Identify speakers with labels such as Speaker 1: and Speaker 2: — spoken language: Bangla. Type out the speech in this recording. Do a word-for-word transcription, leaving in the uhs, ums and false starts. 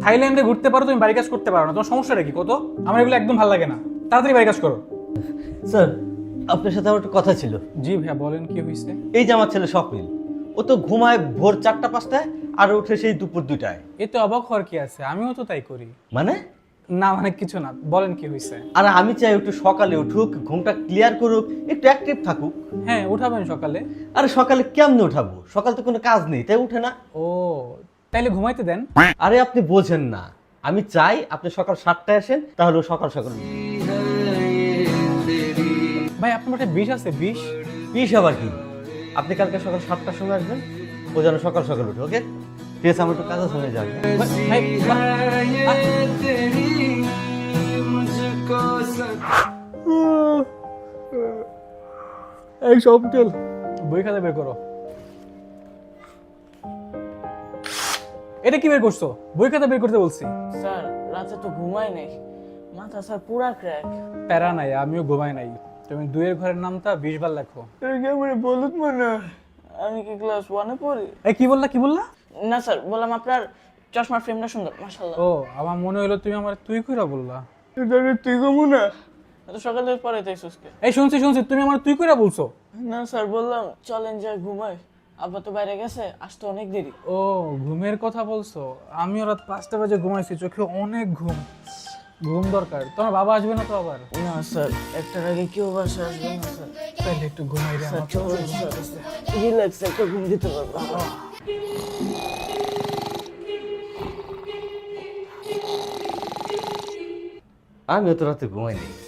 Speaker 1: থাইল্যান্ডে ঘুরতে পারো, তুমি বাড়ি কাজ করতে পারো না, তোমার সমস্যাটা কি কত? আমার এগুলো একদম ভালো লাগে না, তাড়াতাড়ি বাড়ি কাজ করো।
Speaker 2: স্যার আপনার সাথে আমার একটা কথা ছিল।
Speaker 1: জি ভাইয়া বলেন, কি হয়েছে?
Speaker 2: এই যে আমার ছেলে স্বপ্নিল, ও তো ঘুমায় ভোর চারটা পাঁচটায় আর উঠে সেই দুপুর দুটায়।
Speaker 1: এতে অবাক হওয়ার কি আছে, আমিও তো তাই করি।
Speaker 2: মানে?
Speaker 1: না মানে কিছু না, বলেন কি হয়েছে?
Speaker 2: আর আমি চাই একটু সকালে উঠুক, ঘুমটা ক্লিয়ার করুক, একটু অ্যাক্টিভ থাকুক।
Speaker 1: হ্যাঁ উঠাবেন সকালে।
Speaker 2: আরে সকালে কেমনে উঠাবো? সকাল তো কোনো কাজ নেই, তাই উঠে না।
Speaker 1: ও তাইলে ঘুমাইতে দেন।
Speaker 2: আরে আপনি বোঝেন না, আমি চাই আপনি সকাল সাতটায় আসেন, তাহলে ও সকাল সকাল উঠবে।
Speaker 1: ভাই আপনার মাঠে বিষ আছে? বিষ?
Speaker 2: বিশ আবার কি? আপনি কালকে সকাল সাতটার সময় আসবেন, ও যেন সকাল সকাল উঠে। ওকে ঠিক আছে, আমার একটু কাজ আছে, হয়ে যাবে।
Speaker 1: ভাই, এই সব তেল বই খাতা বের করো। এটা কি বের করছো? বই খাতা বের করতে বলছি।
Speaker 3: স্যার রাতে তো ঘুমাই নাই, মাথা স্যার পুরা ক্র্যাক।
Speaker 1: প্যারা নাই, আমিও ঘুমাই নাই। তুমি দুইয়ের ঘরের নামটা বিশ বার লেখো।
Speaker 3: বলুন মনে আমি কি ক্লাস ওয়ানে পড়ি?
Speaker 1: এই কি বললা, কি বললা?
Speaker 3: না স্যার, বললাম আপনার চশমার ফ্রেমটা সুন্দর, মাশাআল্লাহ।
Speaker 1: ও আমার মনে হলো তুমি আমার তুই কইরা বললা।
Speaker 3: তুই কমু না এত সকালে পরে তাই সুস্কে।
Speaker 1: এই শুনছি শুনছি, তুমি আমার তুই কইরা বলছো।
Speaker 3: না স্যার, বললাম চলেন যাই ঘুমাই, আব্বা তো বাইরে গেছে, আসতে অনেক দেরি।
Speaker 1: ও ঘুমের কথা বলছো, আমিও রাত পাঁচটা বাজে ঘুমাইছি, চোখে অনেক ঘুম। ঘুম দরকার। তোমার বাবা আসবে না তো আবার?
Speaker 3: না স্যার, একটার আগে কেউ বাসা আসবে না স্যার।
Speaker 1: তাইলে একটু ঘুমাই রে
Speaker 3: স্যার
Speaker 1: আমার।
Speaker 3: চলুন স্যার, রিল্যাক্স একটা ঘুম দিতে পারবো।
Speaker 2: আমিও তো রাতে ঘুমাই নেই।